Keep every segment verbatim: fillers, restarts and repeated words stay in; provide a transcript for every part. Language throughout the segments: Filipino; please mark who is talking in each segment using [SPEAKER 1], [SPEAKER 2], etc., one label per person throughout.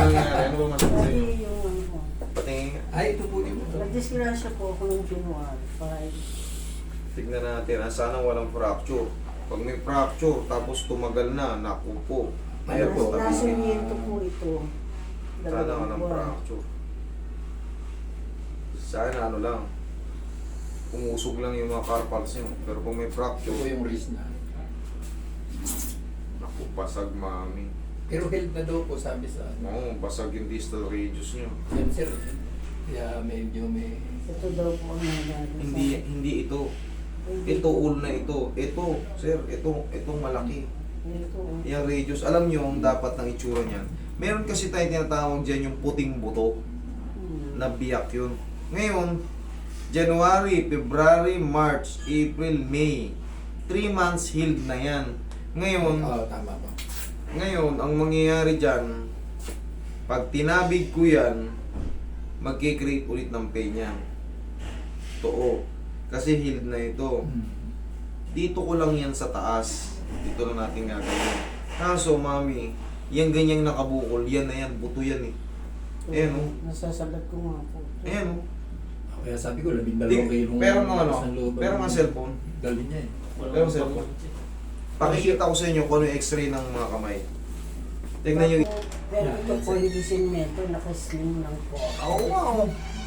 [SPEAKER 1] nangyari? Ano ba masakit
[SPEAKER 2] Kasi
[SPEAKER 1] sa'yo?
[SPEAKER 2] yung ano ko.
[SPEAKER 1] Patingin nga.
[SPEAKER 3] Ay, ito po din po.
[SPEAKER 2] Nagdisgrasya po ako ng January five.
[SPEAKER 1] Tignan natin, ah, sana walang fracture. Pag may fracture, tapos tumagal na, naku po. Ayan po,
[SPEAKER 2] Nasa
[SPEAKER 1] tabi.
[SPEAKER 2] niento po ito.
[SPEAKER 1] Sana
[SPEAKER 2] Dalawang
[SPEAKER 1] walang
[SPEAKER 2] buwan.
[SPEAKER 1] fracture. Sana ano lang, umusog lang yung mga carpals nyo. Pero kung may
[SPEAKER 3] Ito
[SPEAKER 1] fracture,
[SPEAKER 3] po yung wrist na.
[SPEAKER 1] naku, basag mami.
[SPEAKER 3] Pero health na daw po, sabi sa ano.
[SPEAKER 1] Oo, basag yung distal radius nyo.
[SPEAKER 3] Yan, sir. Kaya medyo may...
[SPEAKER 2] Ito daw po ang nangyari.
[SPEAKER 1] Hindi, hindi ito. Ito, all na ito. Ito, sir, ito, itong malaki.
[SPEAKER 2] Ito.
[SPEAKER 1] Yung radius, alam nyo ang dapat ng itsura niyan. Meron kasi tayo tinatawag dyan yung puting buto.
[SPEAKER 2] Hmm.
[SPEAKER 1] Na biyak yun. Ngayon, January, February, March, April, May. three months healed na yan. Ngayon,
[SPEAKER 3] Oo, tama po.
[SPEAKER 1] ngayon, ang mangyayari dyan, pag tinabig ko yan, magkikreate ulit ng pain yan. Totoo. Kasi healed na ito.
[SPEAKER 3] Hmm.
[SPEAKER 1] Dito ko lang yan sa taas. Dito lang natin gagawin. Kaso, mami, yung ganyang nakabukol, yan na yan, buto yan eh. Ayan, oh.
[SPEAKER 2] Nasasalat ko nga po.
[SPEAKER 1] Ayan o.
[SPEAKER 3] Kaya sabi ko, labing
[SPEAKER 1] Di-
[SPEAKER 3] dalawang kilong...
[SPEAKER 1] pero mga ano,
[SPEAKER 3] isang loob
[SPEAKER 1] pero
[SPEAKER 3] ang-
[SPEAKER 1] mga cellphone.
[SPEAKER 3] Dali niya eh.
[SPEAKER 1] Pero cellphone. Pakikita ko sa inyo kung ano yung x-ray ng mga kamay. Tignan nyo.
[SPEAKER 2] Pero ito po hindi sinmeto, nakaslim lang po.
[SPEAKER 1] Oo, wow.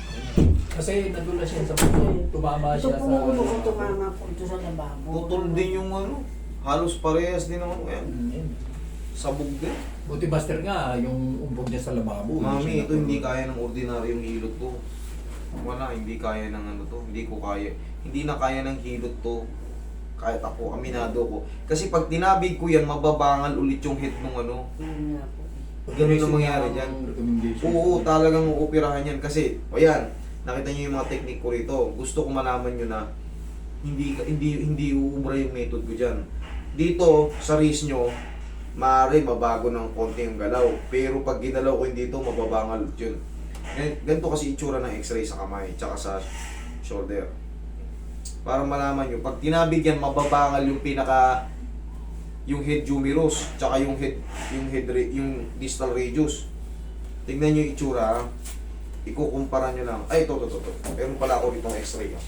[SPEAKER 3] Kasi nadulas siya sa puso. Tumama
[SPEAKER 2] Ito
[SPEAKER 3] siya
[SPEAKER 2] po
[SPEAKER 3] sa...
[SPEAKER 2] ulo ko tumama po ito sa lababo.
[SPEAKER 1] Putol din yung ano. Halos parehas din ang ano. Ayan.
[SPEAKER 3] Hmm, yan.
[SPEAKER 1] Sabog din.
[SPEAKER 3] Buti master nga, yung umbog niya sa lababo.
[SPEAKER 1] Mami,
[SPEAKER 3] siya
[SPEAKER 1] ito hindi
[SPEAKER 3] nakulong.
[SPEAKER 1] kaya ng ordinaryong hilot to. Wala, hindi kaya ng ano to. Hindi ko kaya. Hindi na kaya ng hilot to. Kahit ako, aminado ko. Kasi pag tinabig ko yan, mababangal ulit yung head ng ano.
[SPEAKER 2] Yun nga po.
[SPEAKER 1] Ganun ang mangyari
[SPEAKER 3] Ang
[SPEAKER 1] dyan.
[SPEAKER 3] recommendation.
[SPEAKER 1] Oo, talagang uupirahan yan. Kasi, o yan, nakita nyo yung mga technique ko rito. Gusto ko malaman nyo na hindi hindi hindi uubra yung method ko dyan. Dito, sa wrist nyo, maaari mabago ng konti yung galaw. Pero pag ginalaw ko yun dito, mababangal yun. Gan- Ganito kasi itsura ng x-ray sa kamay, tsaka sa shoulder. Para malaman nyo, pag tinabig yan, mababangal yung pinaka yung head humerus, tsaka yung head yung head ra- yung distal radius. Tingnan nyo yung itsura, ha? Ikukumpara nyo lang. Ay, ito, ito, ito. ito. Meron pala ako ditong x-ray. Ha?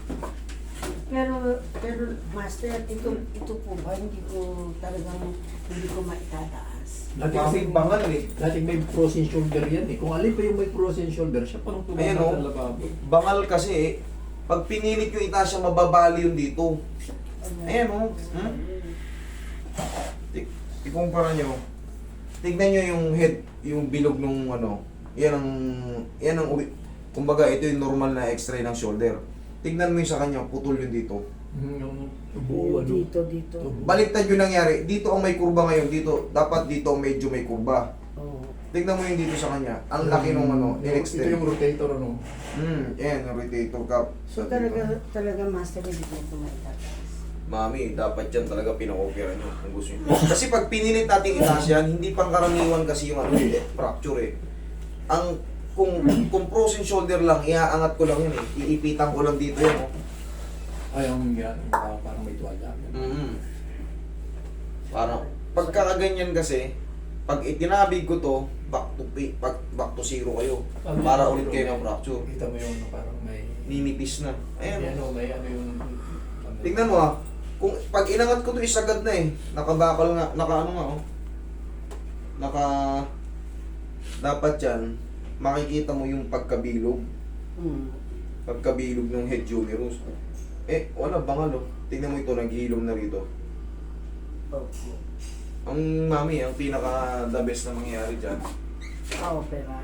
[SPEAKER 2] Pero, pero master, ito, ito po ba, hindi ko talagang, hindi ko maitataas.
[SPEAKER 3] Dati kasi
[SPEAKER 1] Kasi bangal eh.
[SPEAKER 3] Dati may frozen shoulder yan eh. Kung alin pa yung may frozen shoulder, siya pang tumama
[SPEAKER 1] Ayan,
[SPEAKER 3] sa
[SPEAKER 1] oh.
[SPEAKER 3] lababo.
[SPEAKER 1] Bangal kasi eh. Pag pinilit yung itaas siya, mababali yun dito. Ayan, oh. Hmm? Ik- Ikumpara nyo. Tignan nyo yung head, yung bilog nung ano. Yan ang, yan ang, uri- kumbaga ito yung normal na x-ray ng shoulder. Tignan mo yung sa kanya, putol yun dito.
[SPEAKER 3] Hmm, Yung buo ano.
[SPEAKER 2] Dito, dito.
[SPEAKER 1] Baliktad yung nangyari. Dito ang may kurba ngayon. Dito, dapat dito medyo may kurba.
[SPEAKER 2] Oo.
[SPEAKER 1] Tignan mo yung dito sa kanya. Ang laki nung ano,
[SPEAKER 3] Ito
[SPEAKER 1] in-extend.
[SPEAKER 3] yung rotator ano.
[SPEAKER 1] Hmm, yan, yung rotator cup.
[SPEAKER 2] So talaga, talaga master, hindi ko ito maitataas.
[SPEAKER 1] Mami, dapat yan talaga pinakopera nyo kung gusto nyo. Kasi pag pinilit natin itaas yan, hindi pangkaraniwan kasi yung ano eh, fracture eh. Ang, kung, kung frozen shoulder lang, iaangat ko lang yun eh. Iipitan ko lang dito yan. Oh.
[SPEAKER 3] Ay, yung yan. yung Parang may tuwalya.
[SPEAKER 1] Mm-hmm. Parang, pagkakaganyan kasi, pag itinabig ko to, back to, pi- back, back to zero kayo. Para ulit kayo ng fracture.
[SPEAKER 3] Kita mo yung ano, parang may...
[SPEAKER 1] Ninipis na.
[SPEAKER 3] May
[SPEAKER 1] Ayan.
[SPEAKER 3] ano, may ano yung...
[SPEAKER 1] Tingnan mo ah. Kung pag inangat ko to isagad na eh. Nakabakal nga, naka ano nga oh. Naka dapat yan makikita mo yung pagkabilog.
[SPEAKER 2] Hmm.
[SPEAKER 1] Pagkabilog ng head humerus. Eh, wala bangal oh. Tingnan mo ito, naghihilom na rito.
[SPEAKER 2] Okay.
[SPEAKER 1] Ang mami, ang pinaka the best na mangyayari dyan.
[SPEAKER 2] Ah, opera.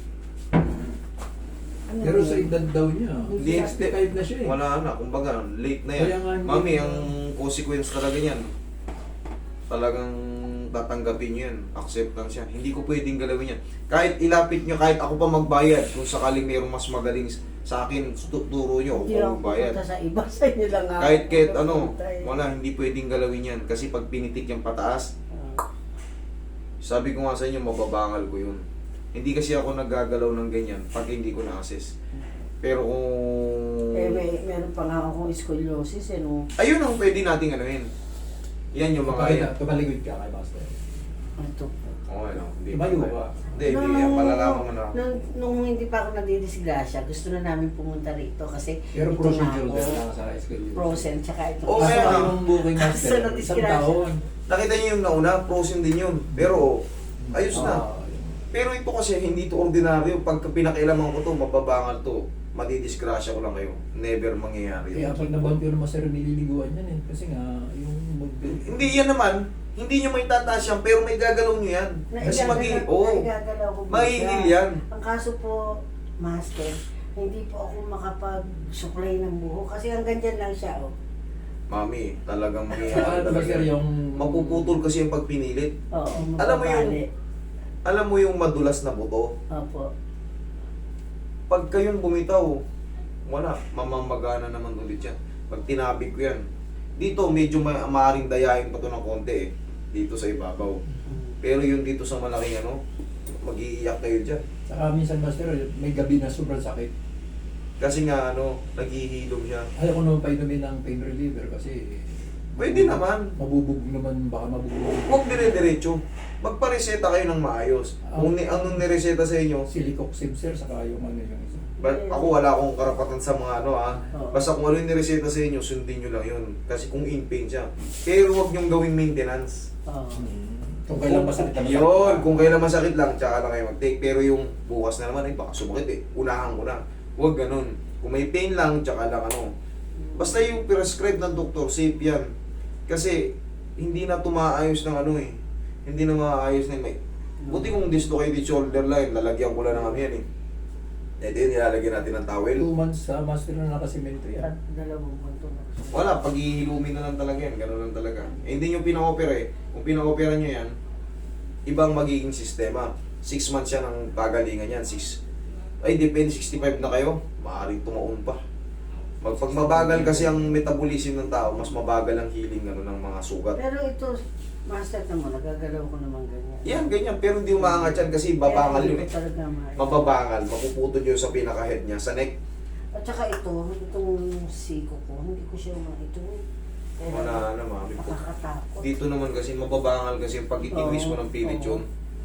[SPEAKER 2] Ano
[SPEAKER 3] Pero
[SPEAKER 2] yun?
[SPEAKER 3] sa edad daw niya,
[SPEAKER 1] Hindi,
[SPEAKER 3] sixty-five na siya eh.
[SPEAKER 1] Wala na, kumbaga, late na yan.
[SPEAKER 3] Kaya nga, hindi
[SPEAKER 1] Mami,
[SPEAKER 3] na-
[SPEAKER 1] ang consequence talaga niyan, talagang tatanggapin nyo yan. Acceptance yan. Hindi ko pwedeng galawin yan. Kahit ilapit nyo, kahit ako pa magbayad, kung sakaling mayroong mas magaling sa akin, tu- turo nyo, ako
[SPEAKER 2] Hindi
[SPEAKER 1] pa
[SPEAKER 2] ako
[SPEAKER 1] magbayad.
[SPEAKER 2] pupunta sa iba, sa inyo lang ako.
[SPEAKER 1] Kahit kahit ano,
[SPEAKER 2] pupunta eh.
[SPEAKER 1] wala, hindi pwedeng galawin yan. Kasi pag pinitik yung pataas,
[SPEAKER 2] Ah.
[SPEAKER 1] sabi ko nga sa inyo, mababangal ko yun. Hindi kasi ako naggagalaw ng ganyan pag hindi ko na-assess. Pero kung...
[SPEAKER 2] Eh, may, meron pa nga akong scoliosis, eh, no?
[SPEAKER 1] Ayun ang pwede nating anuhin. Yan yung mga yan.
[SPEAKER 3] Tumaligod ka kay Master.
[SPEAKER 2] Ito po.
[SPEAKER 1] Okay lang. Hindi
[SPEAKER 3] Tumayo
[SPEAKER 1] pa-
[SPEAKER 3] ka.
[SPEAKER 1] Hindi, hindi yan. Malalaman mo na.
[SPEAKER 2] Nung, nung hindi pa ako nadidisgrasya, gusto na namin pumunta rito kasi
[SPEAKER 3] Pero
[SPEAKER 2] ito
[SPEAKER 3] frozen
[SPEAKER 2] na
[SPEAKER 3] shoulder
[SPEAKER 2] ako,
[SPEAKER 3] lang sa high school.
[SPEAKER 2] frozen, tsaka ito.
[SPEAKER 1] Oo,
[SPEAKER 3] Kaso
[SPEAKER 1] kaya nga.
[SPEAKER 3] yung booking master,
[SPEAKER 2] Kaso
[SPEAKER 3] isang
[SPEAKER 2] na-disgrasya.
[SPEAKER 3] taon.
[SPEAKER 1] Nakita niyo yung nauna, frozen din yun. Pero, ayos na.
[SPEAKER 3] Ah,
[SPEAKER 1] Pero ito kasi, hindi to ordinaryo. Pagka pinakailaman ko to, mababangal to. Madidisgrasya ko lang kayo. Never mangyayari
[SPEAKER 3] Kaya
[SPEAKER 1] yun.
[SPEAKER 3] pag nabanti ko naman sir, nililiguan yan eh. Kasi nga, yung mag...
[SPEAKER 1] Hindi yan naman, hindi nyo may tataas yan, pero may gagalaw nyo yan. Kasi
[SPEAKER 2] Naigagalaw-
[SPEAKER 1] magi, oo,
[SPEAKER 2] naigagalaw ko
[SPEAKER 1] mahihil
[SPEAKER 2] siya.
[SPEAKER 1] yan.
[SPEAKER 2] Ang kaso po, Master, hindi po ako makapag-supply ng buho kasi hanggang dyan lang siya, oh.
[SPEAKER 1] Mami, talagang
[SPEAKER 3] Saka
[SPEAKER 1] mangyayari
[SPEAKER 3] ano ba
[SPEAKER 1] talaga.
[SPEAKER 3] sir, yung...
[SPEAKER 1] Mapuputol kasi yung pagpinilit.
[SPEAKER 2] Oo,
[SPEAKER 1] Alam mo yung-
[SPEAKER 2] mababali.
[SPEAKER 1] Alam mo yung madulas na buto?
[SPEAKER 2] Opo.
[SPEAKER 1] Pag kayong bumitaw, wala, mamamagana naman ulit yan. Pag tinabig ko yan, dito medyo may maaring dayain pa to ng konti eh. Dito sa ibabaw. Pero yung dito sa malaking ano, mag-iiyak kayo dyan.
[SPEAKER 3] Saka minsan master, may gabi na sobrang sakit.
[SPEAKER 1] Kasi nga ano, naghihilom siya.
[SPEAKER 3] Ayaw ko naman painumin ng pain reliever kasi...
[SPEAKER 1] Pwede naman.
[SPEAKER 3] Mabubog naman, baka mabubog.
[SPEAKER 1] Huwag dire-diretso. Magpareseta kayo ng maayos. Kung ni, anong nireseta sa inyo,
[SPEAKER 3] Silicoxib sir, saka yung ano yung isa.
[SPEAKER 1] but ako wala akong karapatan sa mga ano ah.
[SPEAKER 2] Oo.
[SPEAKER 1] Basta kung ano yung nireseta sa inyo, sundin nyo lang yun. Kasi kung in pain siya. Pero huwag nyong gawing maintenance.
[SPEAKER 2] Oo.
[SPEAKER 3] Kung kailan masakit na masakit.
[SPEAKER 1] Yun, kung kailan masakit lang, tsaka lang kayo mag-take. Pero yung bukas na naman, ay baka sumakit eh. Unahan ko na. Huwag ganun. Kung may pain lang, tsaka lang ano. Basta yung prescribe ng doktor, safe yan. Kasi hindi na tumaayos ng ano eh. Hindi na maayos na may... Buti kung dislocated shoulder line, lalagyan ko lang ng ano yan eh. Ito yun, nilalagyan natin ng towel.
[SPEAKER 3] Two months sa master na nakasimento yan.
[SPEAKER 2] At dalawang buwan na.
[SPEAKER 1] Wala, paghihilumin na lang talaga yan. Ganun lang talaga. Eh, hindi nyo pina-opera eh. Kung pina-opera nyo yan, ibang magiging sistema. Six months yan ang pagalingan yan. Six. Ay, depende, sixty-five na kayo. Maaaring tumaon pa. Mag, pag mabagal kasi ang metabolism ng tao, mas mabagal ang healing ano, ng mga sugat.
[SPEAKER 2] Pero ito, Master na mo, nagagalaw ko naman ganyan.
[SPEAKER 1] Yan, ganyan. Pero hindi umaangat yan kasi babangal
[SPEAKER 2] Kaya
[SPEAKER 1] yun
[SPEAKER 2] hindi
[SPEAKER 1] eh.
[SPEAKER 2] ko talaga ma-
[SPEAKER 1] Mababangal. Mapuputol yun sa pinaka-head niya. Sa neck,
[SPEAKER 2] At saka ito, itong siko ko, hindi ko siya ma ito. Kaya
[SPEAKER 1] wala na mami po.
[SPEAKER 2] nakakatakot.
[SPEAKER 1] Dito naman kasi mababangal kasi pag itinwis mo ng pilit yun.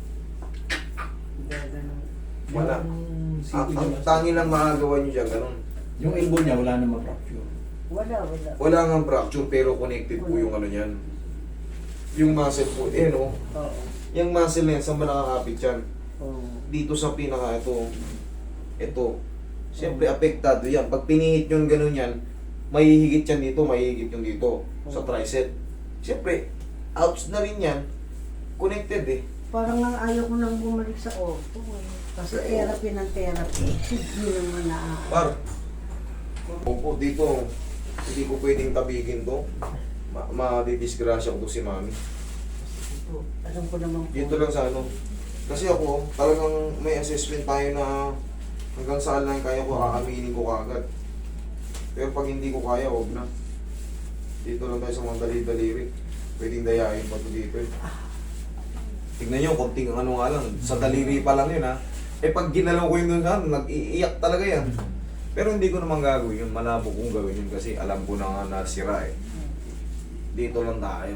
[SPEAKER 2] Kaya ganun.
[SPEAKER 1] Wala.
[SPEAKER 3] Yung
[SPEAKER 1] Ang,
[SPEAKER 3] sipin
[SPEAKER 1] ang
[SPEAKER 3] niya,
[SPEAKER 1] tangi lang makagawa nyo dyan, ganun.
[SPEAKER 3] yung elbow niya wala namang fracture.
[SPEAKER 2] Wala, wala.
[SPEAKER 1] Wala nga fracture pero connected po yung ano niyan. Yung muscle po, eh no.
[SPEAKER 2] Oo.
[SPEAKER 1] Yung muscle na yan, saan ba nakakapit yan?
[SPEAKER 2] Oo.
[SPEAKER 1] Dito sa pinaka, ito. Ito. Siyempre, apektado yan. Pag pinihit yung ganun yan, mahihigit yan dito, mahihigit yung dito. Sa tricep. Siyempre, outs na rin yan. Connected eh.
[SPEAKER 2] Parang nga ayaw ko nang bumalik sa auto eh. Kasi therapy ng therapy. Hindi naman na...
[SPEAKER 1] Par. Opo, dito. Hindi ko pwedeng tabigin to. Ma madidisgrasya ko to si mami.
[SPEAKER 2] Ito, alam ko naman po.
[SPEAKER 1] Dito lang sa ano. Kasi ako, talagang may assessment tayo na hanggang saan lang kaya ko, aaminin ko kagad. Pero pag hindi ko kaya, huwag na. Dito lang tayo sa mga dali-daliri. Pwedeng dayain pa to dito eh. Tignan nyo, konting ano nga lang. Sa daliri pa lang yun ha. Eh pag ginalaw ko yun doon sa nag-iiyak talaga yan. Pero hindi ko naman gagawin yun. Malabo kong gawin yun kasi alam ko na nga nasira eh. Dito lang tayo.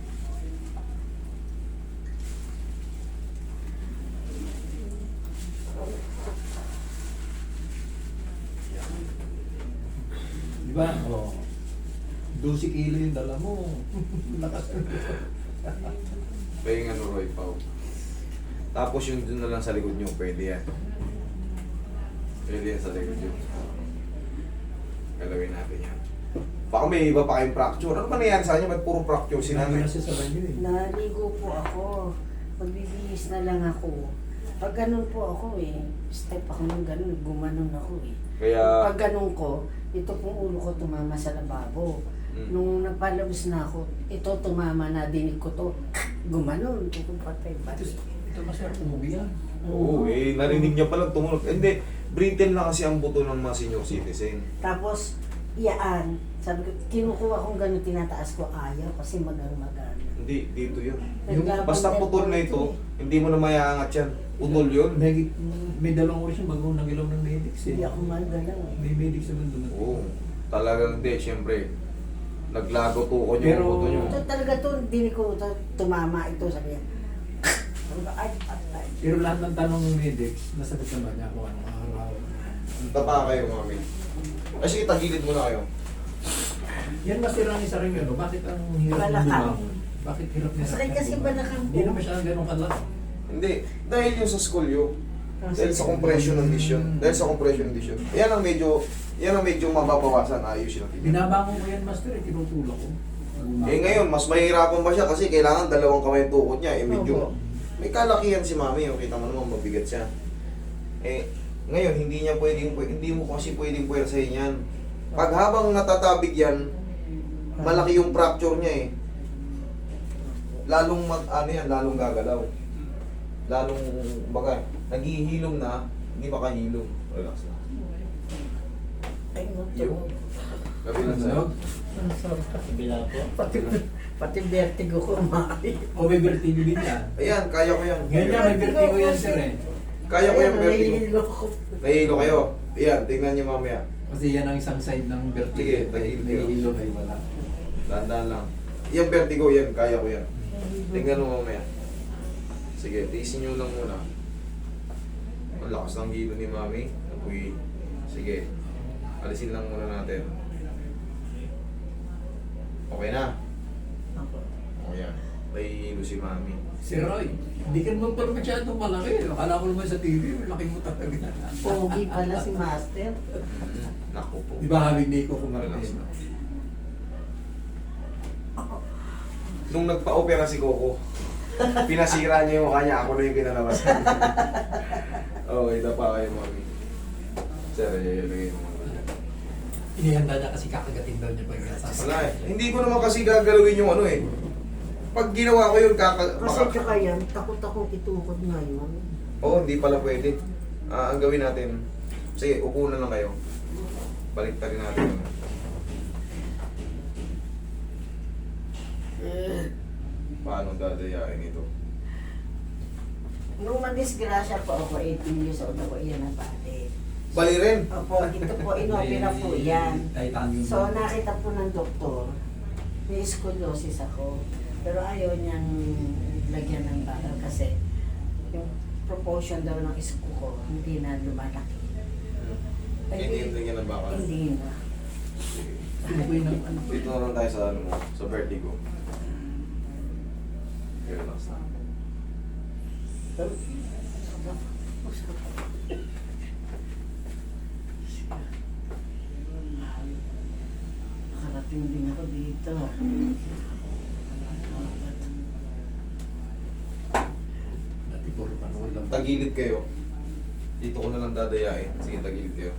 [SPEAKER 3] Di ba? Oo. twelve kilo yung dala mo. Lakas.
[SPEAKER 1] Kaya yung ano Roy Pao. Tapos yung dun na lang sa likod nyo, pwede yan. Pwede yan sa likod nyo. Galawin natin yan. Baka may iba pa kayong fracture. Ano ba nangyari sa kanya? Ba't puro fracture si
[SPEAKER 3] Sinabi
[SPEAKER 1] nanay?
[SPEAKER 3] na siya sa banyo eh.
[SPEAKER 2] Naligo po ako. Magbibihis na lang ako. Pag ganun po ako eh, step ako ng ganun, gumanon ako eh.
[SPEAKER 1] Kaya,
[SPEAKER 2] Pag ganun ko, ito pong ulo ko tumama sa lababo.
[SPEAKER 1] Mm.
[SPEAKER 2] Nung nagpalabas na ako, ito tumama na, dinig ko to, gumanon, kung patay pa.
[SPEAKER 3] Ito, ito masyadong tumubi yan.
[SPEAKER 1] oo eh, narinig niya palang tumunog. Hindi, brittle na kasi ang buto ng mga senior citizen.
[SPEAKER 2] Tapos, iyaan. Sabi ko, kinukuha kong ganun, tinataas ko, ayaw kasi magang-magan.
[SPEAKER 1] Hindi, dito yun.
[SPEAKER 3] Yung
[SPEAKER 1] Basta putol na ito, hindi mo na mayaangat yan. Putol yun.
[SPEAKER 3] May, may dalawang oras yung bago nangilaw ng medics eh.
[SPEAKER 2] Hindi ako magalaw eh.
[SPEAKER 3] May medics naman doon.
[SPEAKER 1] Oo. Talagang hindi, siyempre. Naglago tukon yung
[SPEAKER 3] Pero-
[SPEAKER 1] buto nyo.
[SPEAKER 2] Ito talaga to, dinig ko to, tumama ito, sabi niya. Ay, patay.
[SPEAKER 3] Pero lahat ng tanong ng medics, nasagot naman niya kung anong araw.
[SPEAKER 1] Tapa kayo, mami. Ay, sige, tagilid muna kayo.
[SPEAKER 3] Yan masira ni sa rin yun, no? Bakit ang hirap ng
[SPEAKER 2] Balakang.
[SPEAKER 3] bumangon? Bakit hirap niya
[SPEAKER 2] Masakit kasi balakang
[SPEAKER 3] Hindi
[SPEAKER 2] ko.
[SPEAKER 3] naman siya ganun kalaki.
[SPEAKER 1] Hindi, dahil yung sa skolyo. Dahil sa compression ng lesion. Dahil sa compression ng lesion. Yan ang medyo, yan ang medyo mababawasan. Ayusin natin.
[SPEAKER 3] Binabangon ko yan, master, eh, tinutulak ko.
[SPEAKER 1] Eh ngayon, mas mahirapan ba siya kasi kailangan dalawang kamay yung tukod niya. Eh medyo,
[SPEAKER 2] Opo.
[SPEAKER 1] may kalakihan si mami. Oh. Kita mo naman, mabigat siya. Eh, ngayon, hindi niya pwedeng, hindi mo kasi pwedeng puwersahin yan. Pag habang natatabig yan, malaki yung fracture niya eh. Lalong mag, ano yan, lalong gagalaw. Lalong, baga, naghihilom na, hindi makahilom. Relax na.
[SPEAKER 2] Ay, no,
[SPEAKER 1] Yung, gabi lang sa'yo.
[SPEAKER 2] Ang sarap.
[SPEAKER 4] Kabila po.
[SPEAKER 2] Pati, pati vertigo ko maaari.
[SPEAKER 3] O may vertigo din yan.
[SPEAKER 1] Ayan, kaya ko yan.
[SPEAKER 3] Ngayon niya, may vertigo yan, sir, eh.
[SPEAKER 1] Kaya ko yung vertigo.
[SPEAKER 2] Nahihilo ko.
[SPEAKER 1] Nahihilo kayo. Ayan, tingnan niyo mamaya.
[SPEAKER 3] Kasi yan ang isang side ng vertigo.
[SPEAKER 1] Sige, tagilid kayo.
[SPEAKER 3] Nahihilo kayo wala.
[SPEAKER 1] Dahan-dahan lang. Yung vertigo, yan, kaya ko yan. Tingnan mo mamaya. Sige, tiisin nyo lang muna. Ang lakas ng hilo ni mami. Uy, sige. Alisin lang muna natin. Okay na. O yan. May hilo si mami.
[SPEAKER 3] Si Roy, hindi ka naman pala masyadong malaki. Akala ko naman sa T V, malaki mo talaga.
[SPEAKER 2] Pogi pala si Master.
[SPEAKER 1] Mm, naku po.
[SPEAKER 3] Di ba habi ni ko
[SPEAKER 1] Relax
[SPEAKER 3] kumartin?
[SPEAKER 1] na. Nung nagpa-opera si Coco, pinasira niya yung mukha niya. Ako na yung pinalabasan. Okay, tapa kayo mami. Sir, ilagay mo.
[SPEAKER 3] Inihanda niya kasi kakagatin daw niya pag sasakit.
[SPEAKER 1] Wala eh. Hindi ko naman kasi gagalawin yung ano eh. Pag ginawa ko yun, kaka...
[SPEAKER 2] Kasi
[SPEAKER 1] Maka...
[SPEAKER 2] tsaka yan, takot akong itukod ngayon.
[SPEAKER 1] Oo, hindi pala pwede. Ah, ang gawin natin, sige, upo na lang kayo. Balik rin natin yun. Paano dadayain ito?
[SPEAKER 2] Nung madisgrasya po ako, eighteen years old ako, iyan ang pati.
[SPEAKER 1] Bali rin.
[SPEAKER 2] Opo, ito po, inopera po yan.
[SPEAKER 3] Titanium.
[SPEAKER 2] So, nakita po ng doktor, may scoliosis ako. Pero ayaw niyang lagyan ng bakal kasi yung proportion daw ng isko ko, hindi na lumalaki. Ay,
[SPEAKER 1] Hindi yung tingin ng bakal.
[SPEAKER 2] Hindi na.
[SPEAKER 3] Ano po yun ang ano?
[SPEAKER 1] Dito na lang tayo sa ano mo, sa vertigo. Okay, relax na.
[SPEAKER 2] Nakarating din ako dito.
[SPEAKER 3] Dati puro panahon lang.
[SPEAKER 1] Tagilid kayo. Dito ko na lang dadayain. Sige, tagilid kayo.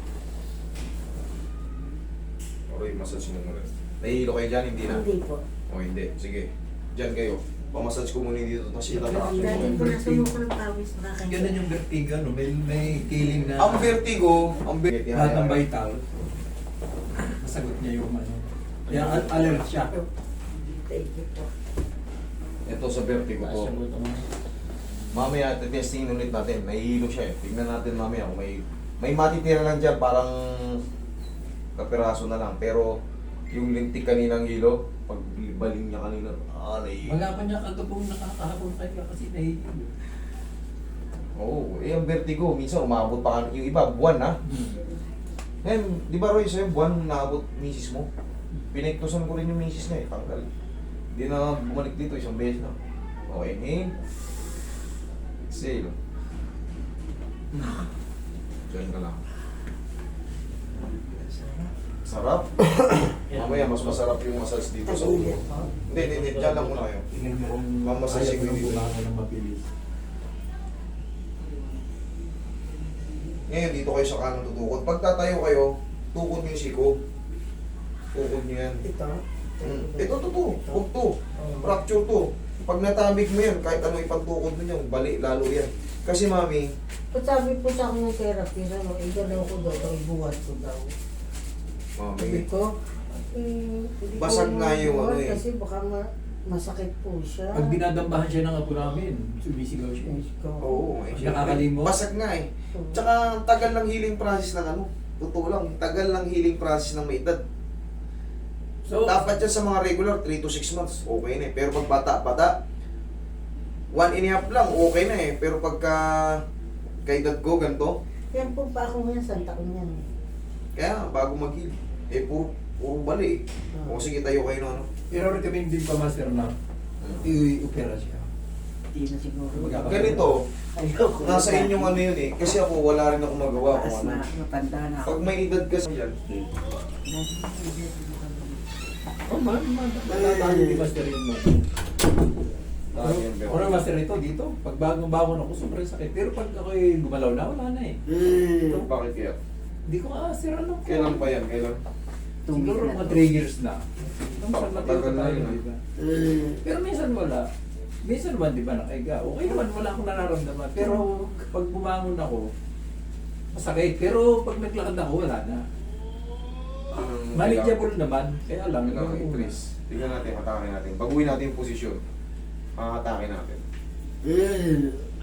[SPEAKER 1] Okay, massage mo muna. Nahihilo kayo dyan, hindi na?
[SPEAKER 2] Hindi po.
[SPEAKER 1] O hindi, sige. Dyan kayo. Pamassage ko muna dito, tapos itatraction
[SPEAKER 2] Dati
[SPEAKER 1] mo.
[SPEAKER 2] ko na sumuko ng pawis na kayo.
[SPEAKER 3] Ganun yung vertigo, no? May, may killing na.
[SPEAKER 1] Ang vertigo, ang vertigo.
[SPEAKER 3] Lahat ng vital. Nasagot niya yung ano. Kaya al- alert siya.
[SPEAKER 2] Thank you po.
[SPEAKER 1] Ito sa vertigo
[SPEAKER 4] Taas
[SPEAKER 1] ko.
[SPEAKER 4] yung buto mo.
[SPEAKER 1] Mamaya, testing ulit natin. Nahihilo siya eh. Tignan natin mamaya kung may... May matitira lang dyan, parang kapiraso na lang. Pero yung lintik kaninang hilo, pag baling niya kanina, ah, nahihilo.
[SPEAKER 3] Wala pa niya kagabong nakakahapon kayo kasi nahihilo.
[SPEAKER 1] Oo, eh ang vertigo, minsan umabot pa ka, yung iba, buwan na. Eh, di ba Roy, sa'yo, buwan naabot misis mo? Pinagtusan ko rin yung misis niya eh, tanggal. Hindi na bumalik dito, isang beses na. Okay, inhale. Exhale. Diyan ka lang. Sarap. Mamaya, mas masarap yung massage dito sa ulo. Hindi, hindi, hindi, dyan lang muna kayo.
[SPEAKER 3] Tingnan mo kung
[SPEAKER 1] Mamasasin ko
[SPEAKER 3] ayaw
[SPEAKER 1] dito.
[SPEAKER 3] bumangon ng mabilis.
[SPEAKER 1] Ngayon, dito kayo sa kanan tutukod. Pag tatayo kayo, tukod niyo yung siko. Tukod niyo yan.
[SPEAKER 2] Ito?
[SPEAKER 1] Mm. Ito, to, to. Huwag to. Fracture to. Pag natabig mo yan, kahit ano ipagtukod mo yan, bali, lalo yan. Kasi mami,
[SPEAKER 2] Pag sabi po sa akin ng therapy, ano, igalaw ko daw, daw, ibuhat ko daw. Sabi
[SPEAKER 1] mami,
[SPEAKER 2] ko, eh, hindi
[SPEAKER 1] Basag
[SPEAKER 2] ko
[SPEAKER 1] nga yung
[SPEAKER 2] mabuhat
[SPEAKER 1] ano eh.
[SPEAKER 2] Kasi baka ma- masakit po siya.
[SPEAKER 3] Pag dinadambahan siya ng apo namin, sumisigaw siya.
[SPEAKER 1] oo, eh, syempre,
[SPEAKER 3] Nakakalimot.
[SPEAKER 1] basag nga eh. Tsaka, tagal ng healing process ng ano, totoo lang, tagal ng healing process ng may edad.
[SPEAKER 3] So,
[SPEAKER 1] Dapat yan sa mga regular, three to six months, okay na eh. Pero pag bata-bata, one and a half lang, okay na eh. Pero pagka kay edad ko, ganito,
[SPEAKER 2] Yan po pa ako ngayon, sa taon yan.
[SPEAKER 1] kaya bago mag-heal, eh puro, puro bali eh. O sige, tayo kayo no, ano.
[SPEAKER 3] Pero recommend din pa master na i-opera siya.
[SPEAKER 2] Hindi na siguro.
[SPEAKER 3] Magkaka-
[SPEAKER 1] Ganito,
[SPEAKER 2] Ayoko.
[SPEAKER 1] nasa inyong ano yun eh. Kasi ako wala rin ako magawa
[SPEAKER 2] Taas
[SPEAKER 1] kung
[SPEAKER 2] na,
[SPEAKER 1] ano.
[SPEAKER 2] matanda na ako.
[SPEAKER 1] Pag may edad kasi yan,
[SPEAKER 3] Oh, man, man. Natatalo ni master yun, man.
[SPEAKER 1] lagi yan, pero.
[SPEAKER 3] Ano master ito dito? Pag bagong bangon ako, sobrang sakit. Pero pag ako'y gumalaw na, wala na eh.
[SPEAKER 2] Mm.
[SPEAKER 1] Bakit kaya?
[SPEAKER 3] Hindi ko ah, sir, ano ko.
[SPEAKER 1] Kailan pa yan? Kailan?
[SPEAKER 3] Siguro
[SPEAKER 2] Tumigil na
[SPEAKER 3] mga
[SPEAKER 2] to.
[SPEAKER 3] three years na. Minsan
[SPEAKER 1] Matagal na yun, ah.
[SPEAKER 3] di ba?
[SPEAKER 2] Mm.
[SPEAKER 3] Pero minsan wala. Minsan naman, di ba, nakaiga. Okay naman, wala akong nararamdaman. Pero pag bumangon ako, masakit. Pero pag naglakad ako, wala na.
[SPEAKER 1] Anong
[SPEAKER 3] Manageable naman. Kaya lang,
[SPEAKER 1] Kailangan
[SPEAKER 3] yung una.
[SPEAKER 1] i-trace. Tingnan natin, atake natin. Baguhin natin yung posisyon. Makakatake natin.
[SPEAKER 2] Mm.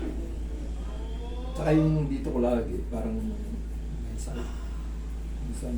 [SPEAKER 3] Saka yung dito ko lagi, parang minsan. Minsan.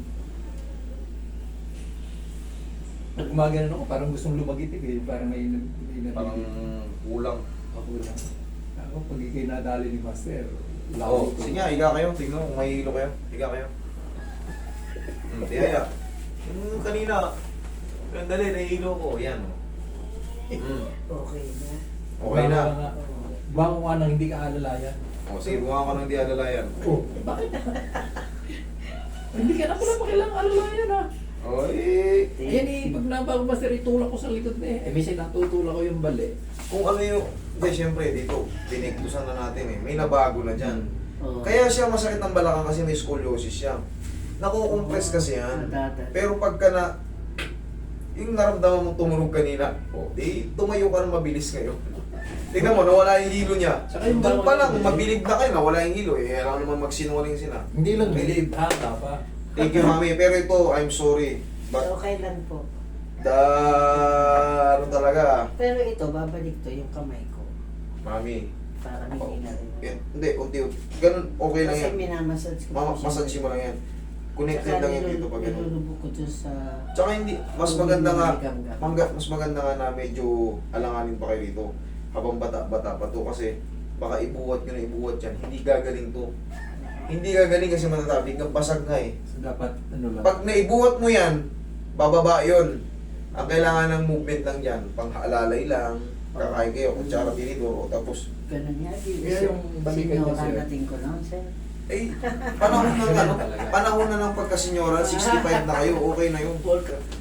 [SPEAKER 3] Pag gumagano ako, parang gustong lumagitig eh. Parang may, may
[SPEAKER 1] Parang kulang.
[SPEAKER 3] ako lang. Ako, pag ikay nadali ni Master, wala
[SPEAKER 1] Oo,
[SPEAKER 3] ko.
[SPEAKER 1] sige nga, higa kayo. Tingnan mo kung may hilo kayo. Higa kayo. Hmm, tiyaya. Yung kanina, yung dali, nahihilo ko. Yan. Hmm.
[SPEAKER 2] Okay na.
[SPEAKER 1] Okay na.
[SPEAKER 3] Bago nga nang hindi ka alalayan.
[SPEAKER 1] O, sige, buha ka ng di alalayan.
[SPEAKER 3] Oh, bakit? Hindi ka na pala pakilang alalayan ha.
[SPEAKER 1] O, eh,
[SPEAKER 3] Ayan eh, pag nabago Master, itulak ko sa likod na eh. Eh, minsan natutulak ko yung bali.
[SPEAKER 1] kung ano yung... Hindi, syempre, dito, pinigtusan na natin eh. May nabago na dyan.
[SPEAKER 2] Oo.
[SPEAKER 1] Kaya siya masakit ang balakang kasi may scoliosis siya. Nakukompress kasi yan.
[SPEAKER 2] Nadadal.
[SPEAKER 1] Pero pagka na... Yung naramdaman mong tumunog kanina, o, di tumayo ka ng mabilis ngayon. Tingnan mo, nawala yung hilo niya.
[SPEAKER 3] Tsaka yung
[SPEAKER 1] Doon pa lang,
[SPEAKER 3] bawal-
[SPEAKER 1] mabilib na kayo, nawala yung hilo. Eh, alam naman magsinungaling sila.
[SPEAKER 3] Hindi lang believe, hata pa.
[SPEAKER 1] Thank you, mami. Pero ito, I'm sorry. But
[SPEAKER 2] Okay lang po.
[SPEAKER 1] the... Ano talaga,
[SPEAKER 2] Pero ito, babalik to yung kamay ko.
[SPEAKER 1] mami.
[SPEAKER 2] Para hindi na rin.
[SPEAKER 1] Yan, hindi, unti-unti. Ganun, okay lang
[SPEAKER 2] Kasi
[SPEAKER 1] yan.
[SPEAKER 2] minamassage ko.
[SPEAKER 1] Mama,
[SPEAKER 2] po siya.
[SPEAKER 1] massage mo lang yan. Connected
[SPEAKER 2] Saka
[SPEAKER 1] lang yan dito
[SPEAKER 2] nilulu-
[SPEAKER 1] pag ganun.
[SPEAKER 2] nilulubog ko dun sa...
[SPEAKER 1] Tsaka hindi, mas maganda nga,
[SPEAKER 2] Gangga.
[SPEAKER 1] mangga, mas maganda nga na medyo alanganin pa kayo dito. Habang bata-bata pa to kasi baka ibuhat nyo na ibuhat yan. Hindi gagaling to. Hindi gagaling kasi matatabig ng basag nga eh.
[SPEAKER 3] So dapat, ano lang.
[SPEAKER 1] Pag naibuhat mo yan, bababa yun. Ang kailangan ng movement lang dyan, panghalalay lang, kakain kayo, kutsara tinidor, o tapos,
[SPEAKER 2] Ganun nga. Di,
[SPEAKER 3] Kaya yung balikan niya, sir.
[SPEAKER 2] Sinuranating ko lang, sir.
[SPEAKER 1] eh, panahon na ng ano, panahon na ng pagkasenyoran, sixty-five na kayo, okay na yun.